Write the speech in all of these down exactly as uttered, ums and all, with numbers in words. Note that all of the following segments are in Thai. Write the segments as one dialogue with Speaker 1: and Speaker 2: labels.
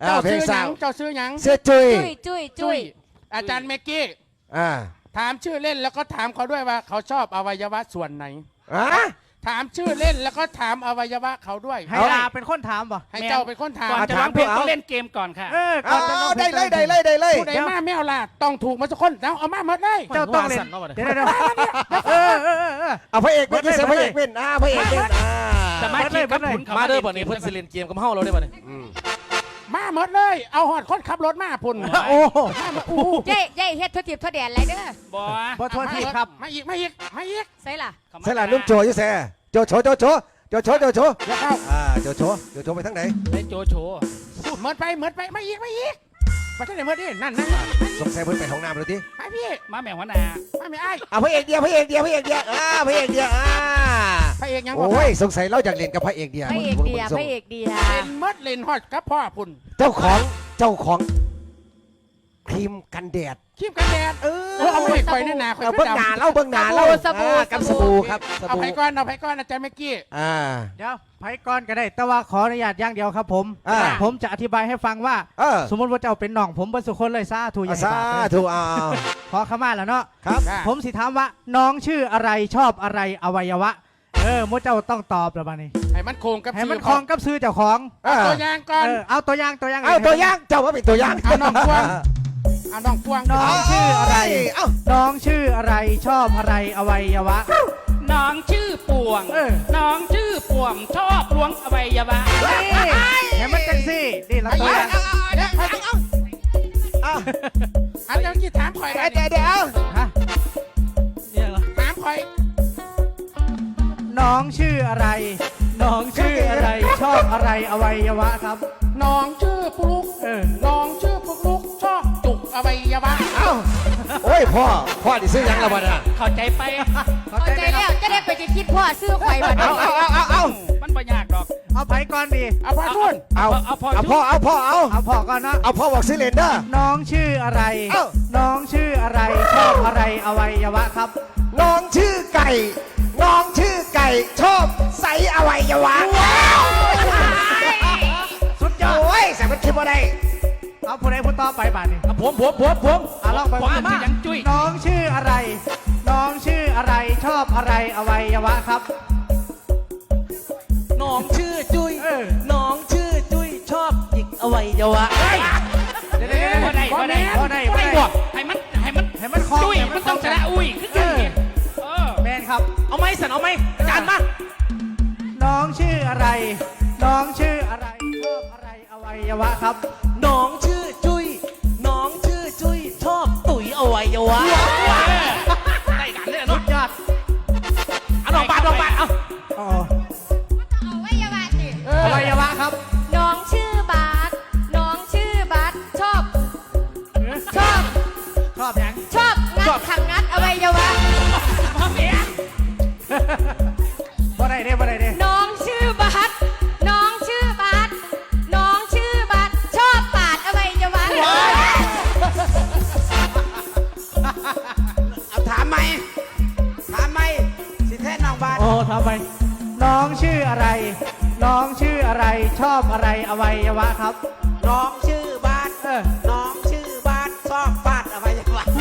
Speaker 1: เจ้า
Speaker 2: เพล
Speaker 1: ซื้
Speaker 2: ง
Speaker 1: อห
Speaker 2: สา
Speaker 1: ยั
Speaker 2: ว
Speaker 1: งเจ้าซื้อหยัง
Speaker 2: เสื้อจุย
Speaker 3: จุ้ยจุ้ยจุ้ย
Speaker 1: อาจารย์เมกกี้
Speaker 2: อ่า
Speaker 1: ถามชื่อเล่นแล้วก็ถามเขาด้วยว่าเขาชอบอวัยวะส่วนไหน
Speaker 2: อ่ะ
Speaker 1: ถามชื่อเล่นแล้วก็ถามอวัยวะเขาด้วย
Speaker 4: ให้ลาเป็นคนถามป่ะ
Speaker 1: ให้เจ้าเป็นคนถาม
Speaker 5: ก่อนจะร้องเพลงต้องเล่นเกมก่อนค่ะ
Speaker 4: เออ
Speaker 2: เอา
Speaker 4: ก่อนจะร้องพ
Speaker 2: ได้
Speaker 4: ง
Speaker 2: เลยได้เลยได้เลย
Speaker 1: ผู้ใดมาไม่เอาล่ะต้องถูกมาสักคนเอาเอามาหมดเลย
Speaker 4: เจ้าต้องเล่นเดี๋ยวเดี๋ยวเออเออเออ
Speaker 2: เอาพระเอกเป็นที่เสียพระเอกเป็นอ่าพระเอกเป็นอ่า
Speaker 5: สามารถคิดกับขุนเขา
Speaker 6: มาเด้อบ่นี้เพิ่นสิเล่นเกมกับเฮาเราได้บ่นี่
Speaker 2: อืม
Speaker 1: มาหมดเลยเอาหอดคนขับรถมาพุ่น
Speaker 4: โอ้
Speaker 1: มามาอู้
Speaker 3: เย่เย่เฮ็ดทั่วทิพย์ทั่วแดนไรเด้อ
Speaker 5: บ่
Speaker 4: ขอโทษทีครับ
Speaker 1: มาอีกมาอีกมาอีก
Speaker 3: ใส่ล่ะ
Speaker 2: ใช่ล่ะนุ่มโจอยุ่แซ่โจโฉโจโฉโจโฉโจโฉ
Speaker 1: เดี๋ยวเข้า
Speaker 2: อ่าโจโฉโจโฉไปทางไหน
Speaker 5: ได้โจโฉ
Speaker 1: เหมือนไปเหมือนไปมาอีกมาอีกมาที่ไหนเหมือนดินั่นนั่น
Speaker 2: สงสัยเพิ่นไปห้องน้ำแล้วที
Speaker 1: ไปพี่
Speaker 5: มาแม่หัวหน้า
Speaker 1: มาไม่ไอ้
Speaker 2: อ่าพระเอกเดียวพระเอกเดียวพระเอกเดียวอ่าพระเอกเดียวอ่า
Speaker 1: พระเอกยังบอก
Speaker 2: โอ้ยสงสัยเราอยากเล่นกับพระเอกเดียว
Speaker 3: พระเอกเดียพระเอกเดีย
Speaker 1: เล่นมดเล่นฮอดกับพ่อพุ่น
Speaker 2: เจ้าของเจ้าของครีมกันแดด
Speaker 1: ครีมกันแดด
Speaker 2: เอ
Speaker 1: เออเอาไปคอยหน้าหนาคอย
Speaker 2: เอาเบิ้งหนาเล่าเบิ้งหนาเล่าอ่ากับสบู่ครับส
Speaker 1: เอา
Speaker 2: บู่
Speaker 1: ไผ่ก้อนเอาไผ่ก้อนอาจารย์เมกกี้
Speaker 2: อ่า
Speaker 4: เดี๋ยวไผก่อนก็ได้แต่ว่าขออนุญาตอย่างเดียวครับผม
Speaker 2: อ่า
Speaker 4: ผมจะอธิบายให้ฟังว่า
Speaker 2: เออ
Speaker 4: สมมติว่าเจ้าเป็นน้องผมเบรรสุคนเลยซาถูกอย่า
Speaker 2: สา
Speaker 4: ให้บาปเลย
Speaker 2: ธุอ่า
Speaker 4: ขอขมาแล้วเนาะ
Speaker 2: ครับ
Speaker 4: ผมสิถามว่าน้องชื่ออะไรชอบอะไรอวัยวะ เออมดเจ้าต้องตอบแล้วบ้านี้
Speaker 1: ให้มันโคงกับ
Speaker 4: ให้มันคล้องกับซื้อเจ้าของ
Speaker 2: อ่า
Speaker 1: ตัวอย่างก่อน
Speaker 4: เออเอาตัวอย่างตัวอย่าง
Speaker 2: เอาตัวอย่างเจ้าว่าเป็นตัวอย่าง
Speaker 1: เอาน้องพวง เอาน้องพวง
Speaker 4: น้องชื่ออะไร
Speaker 2: เอ้า
Speaker 4: น้องชื่ออะไรชอบอะไรอวัยวะ
Speaker 5: น้องชื่อป่วง
Speaker 4: เออ
Speaker 5: น้องชื่อป่วงชอบล้วงอวัยวะ
Speaker 4: นี่เห็นมันจังสินี่ละตัวอย่าง
Speaker 1: เดี๋ยว
Speaker 2: เอ้า
Speaker 1: อันเดี๋ยวกี้ถามคอย
Speaker 2: เดี๋ยวเดี๋ยว
Speaker 4: ฮะ
Speaker 5: เนี่ยเหรอ
Speaker 1: ถามคอย
Speaker 4: น้องชื่ออะไร น้องชื่ออะไรชอบอะไรอวัยวะครับ
Speaker 1: น้องชื่อปุลุก
Speaker 4: เออ
Speaker 1: น้องชื่อปุลุกชอบจุกอวัยวะ
Speaker 2: เอ้าโอ้ยพ่อพ่อดิซื้อยังละวันอ่ะ
Speaker 5: เข้าใจไป
Speaker 4: เข้า
Speaker 3: เข้า
Speaker 4: ใจ
Speaker 3: ใจ
Speaker 4: ไหมค
Speaker 3: แล้
Speaker 4: รับ
Speaker 3: วจะได้ไปจะคิดพ่อซื้อข่อยบัด
Speaker 2: เอา
Speaker 3: นี้
Speaker 2: เอาเอาเอาเอา
Speaker 5: มันไม่ยากดอก
Speaker 4: เอาไปก่อนดี
Speaker 1: เอาพ่อทุน
Speaker 2: เอา
Speaker 5: เอาพอ
Speaker 2: เอาพ่อเอาพ่อเอา
Speaker 4: เอาพอก่อนเนาะ
Speaker 2: เอาพ่อบอกซื้อเลนเด้อ
Speaker 4: น้องชื่ออะไร
Speaker 2: เอ้า
Speaker 4: น้องชื่ออะไรชอบอะไรอวัยวะครับ
Speaker 2: น้องชื่อไก่ น้องชื่อไก่ชอบใส่อวัยวะ
Speaker 4: สุดยอด
Speaker 2: โอ้ยใส่มันคิดว่าได้
Speaker 4: เอาผู้ใดผู้ต่อไปบาทนี่
Speaker 6: อ่ะผมผมผมผม
Speaker 4: อ่ะลองไป
Speaker 5: ผมมันจะยังจุ้ย
Speaker 4: น้องชื่ออะไร น้องชื่ออะไรชอบอะไรอวัยวะครับ
Speaker 6: น้องชื่อจุ้ย
Speaker 4: เออ
Speaker 6: น้องชื่อจุ้ยชอบหยิกอวัยวะ
Speaker 4: เดี๋ยวเดี๋ยวเดี๋ยว
Speaker 5: บ่ได้บ่ได้
Speaker 4: บ่ได้บ่
Speaker 5: บ่
Speaker 4: ได้
Speaker 5: ได้ให้มันให้มัน
Speaker 4: ให้มันคล้อง
Speaker 5: จุ้ย
Speaker 4: ให้
Speaker 5: มัน
Speaker 4: คล้
Speaker 5: ต้องชนะอุ้ยคือกันเนี่ยเออ
Speaker 4: แมนครับ
Speaker 6: เอาไหมสันเอาไหมอาจารย์มา
Speaker 4: น้องชื่ออะไร น้องชื่ออะไรชอบอะไรอวัยวะครับ
Speaker 6: น้องชื่อจุ้ยน้องชื่อจุ้ยชอบตุ๋ยอวัยวะ
Speaker 5: ได้กันเลย
Speaker 4: สุ
Speaker 5: เนาะ
Speaker 4: ดยอด
Speaker 6: เอาลองบาดลองบาดเอา
Speaker 4: อ๋อ
Speaker 3: เอาไว้อยาวาสิ
Speaker 4: อวัยวะครับ
Speaker 3: น้องชื่อบาสน้องชื่อบาสชอบ ชอบ
Speaker 4: ชอบยัง
Speaker 3: ชอบงัดขังงัดอวัยวะ
Speaker 5: พ่อเมีย
Speaker 4: บ่ได้เด้บ่ได้เด้
Speaker 3: น้องชื่อบาสน้องชื่อบาสน้องชื่อบาสชอบปาดอวัยวะ
Speaker 2: เอาถามไหมถามไหมสิแท้น้องบ้าน
Speaker 4: โอ้ทำไมน้องชื่ออะไร น้องชื่ออะไรชอบอะไรอวัยวะครับ
Speaker 7: น้องชื่อบ้าน
Speaker 4: เออ
Speaker 7: น้องชื่อบ้านชอบฟาดอะไรอย่างเงี้ย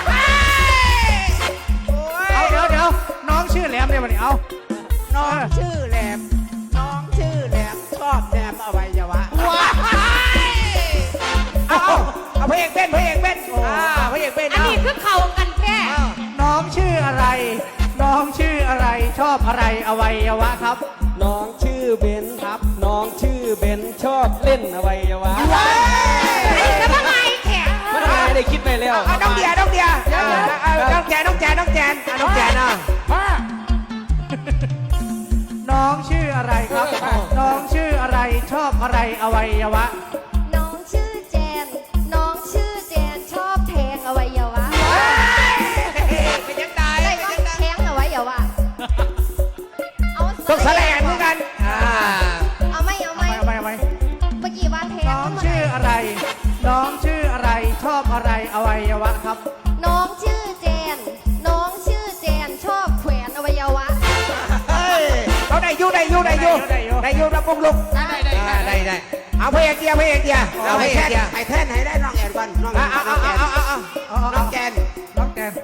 Speaker 7: โอ้ย
Speaker 4: เอาเดี๋ยวเดี๋ยวน้องชื่อแหลมเนี่ยวันนี้เอา
Speaker 7: น้องชื่อแหลม น้องชื่อแหลมชอบแหลมอวัยวะ
Speaker 2: เอาเอาเอาพระเอกเป็นพระเอกเป็นอ่าพระเอกเป็น
Speaker 3: อันนี้คือเข่ากันแท้
Speaker 4: น้องชื่ออะไร น้องชื่ออะไรชอบอะไรอวัยวะครับ
Speaker 7: น้องชื่อเบนครับ น้องชื่อเบนชอบเล่นอวัยวะ
Speaker 3: อันนี้ก็ทำไมแข็ง
Speaker 7: มันหายได้คิดไปแล้ว
Speaker 2: เอาน้องเดียน้องเดียเอาน้องแจนน้องแจนน้องแจนอ่ะน้องแจนอ่ะ
Speaker 1: พ่อ
Speaker 4: น้องชื่ออะไรครับ น้องชื่ออะไรชอบอะไรอวัยวะ
Speaker 3: น้องชื่อแจน น้องชื่อแจนชอบแทงอวัยวะ
Speaker 2: เป็นยังไง
Speaker 3: ได้ก็แทงอวัยวะเอา
Speaker 2: ต้องแสลงเหมือนกันอ่า
Speaker 3: เอาไม่เอา
Speaker 4: เอา
Speaker 3: ไม่
Speaker 4: ไปเอาไปเอาไป
Speaker 3: เมื่อกี้ว่าแทง
Speaker 4: น้องชื่ออะไร น้องชื่ออะไรชอบอะไรอวัยวะครับ
Speaker 3: น้องชื่อแจน น้องชื่อแจนชอบแขวนอวัยวะ
Speaker 2: เฮ้ยเขาได้อยูได้อยูได้อยู
Speaker 4: ได้อยู่
Speaker 2: ได้อยูรับปงลุก
Speaker 3: ได้
Speaker 1: ได้ได้
Speaker 2: อ่าได้ได้เอาพระเอกเดียวพระเอกเดียว
Speaker 7: เรา
Speaker 2: เอาพ
Speaker 7: ไป
Speaker 2: ระเอก
Speaker 7: แท่น
Speaker 2: เดียว
Speaker 7: ไปแท่นให้ได้น้องแอนก่อนน้องแอ
Speaker 2: เอา
Speaker 7: น
Speaker 2: เอา
Speaker 7: น้อง
Speaker 2: เอา
Speaker 7: แอน
Speaker 2: เอาเอา
Speaker 7: น้องแกน
Speaker 4: น้องแกน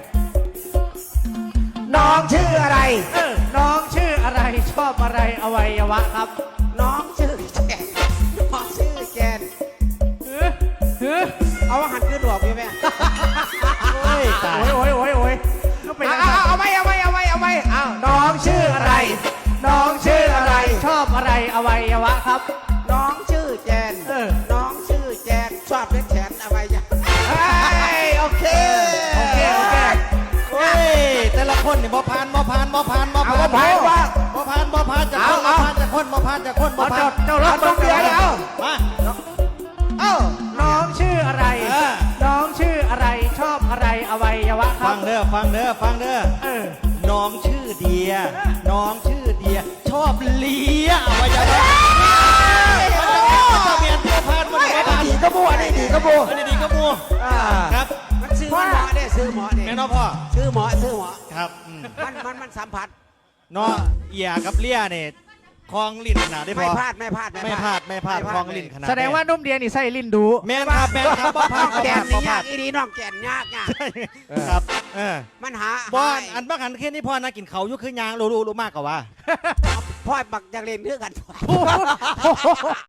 Speaker 2: น้องชื่ออะไร
Speaker 4: เออน้องชื่ออะไรชอบอะไรอวัยวะครับ
Speaker 7: น้องชื่อแกนน้องชื่อแกน
Speaker 4: เออเออ
Speaker 7: เอาว่าหันขึ้นหลวกอยู่ไหม
Speaker 4: โอ้ยตายโอ้ยโอ้ยโอ้ยก็เป็น
Speaker 2: เอา
Speaker 4: อะไร
Speaker 2: เอาเอาไว้เอาไว้เอาไว้เอาไว้เอา
Speaker 4: น้องชื่ออะไร น้องชื่ออะไร ชอบอะไรอวัยวะครับ
Speaker 7: น้องชื่อแกน
Speaker 4: เออ
Speaker 7: น้องชื่อแกนชอบเล่นแขนอะไรอย่าง
Speaker 2: เฮ้ยโอเค
Speaker 4: โอเคโอเค
Speaker 8: เฮ้ยแต่ละคนนี่บ่ผ่านบ่ผ่านบ่ผ่านบ่
Speaker 2: เอา
Speaker 8: ผ่าน
Speaker 2: บ่ผ่านว่า
Speaker 8: บ่ผ่านบ่ผ่านจากคนบ่ผ่านจากคนบ่ผ่านจากคนบ่
Speaker 4: เอา
Speaker 8: ผ่า
Speaker 4: เจ้าน เจ้ารับ
Speaker 2: เอาต้องเดี๋ยวเดี๋ยว
Speaker 8: มา
Speaker 2: เอ้า
Speaker 4: น้องชื่ออะไร
Speaker 8: เออ
Speaker 4: น้องชื่ออะไรชอบอะไรอวัยวะครั
Speaker 8: ฟั
Speaker 4: บ
Speaker 8: งเด้อฟังเด้อฟังเด้อ
Speaker 4: เออ
Speaker 8: น้องชื่อเดีย น้องชื่อเดีย ชอบเลียอวัยวะมันจะเบียดบ่ผ่านบ่
Speaker 2: ไม่
Speaker 8: ได้
Speaker 2: อัน
Speaker 8: ผ่าน
Speaker 2: นี้ดีก็บัวอันนี้ดีก็บัว
Speaker 8: อันนี้ดีก็มัว
Speaker 2: อ่า
Speaker 8: ครับ
Speaker 7: มันซื้อหมอเนี่ยซื้อหมอเนี่ย
Speaker 8: แม่น้องพ่อ
Speaker 7: ซื้อหมอซื้อหมอ
Speaker 8: ครับอืม
Speaker 7: มันมันมันสัมผัส
Speaker 8: เนาะเอียกับเลียเนี่ยคลองลิ้นขนาดได้พ
Speaker 7: ไม่
Speaker 8: อ
Speaker 7: พลาดไม่พลาด
Speaker 8: ไม่พลาดไม่พลาดคลองลิ้นขนาด
Speaker 4: แสดงว่านุ่มเดียนี่ใส่ลิ้นดู
Speaker 8: แม่นครับแม่นครับบ่ผ่าน
Speaker 7: น้อง
Speaker 8: บ่
Speaker 7: แก
Speaker 8: ผ่าน น
Speaker 7: นี่
Speaker 8: บ่ผ่าย
Speaker 7: าน กอีดีน้องแกนยากยาก
Speaker 8: ครับเออ
Speaker 7: มันหา
Speaker 8: บ้าน
Speaker 7: หา
Speaker 8: อันบ้านหันแค่นี้พ่อนะกินเขาวอยุคือยางรู้รู้รู้มากกว่าว่า
Speaker 7: พ่อบักอยากเรียนเรื่องกัน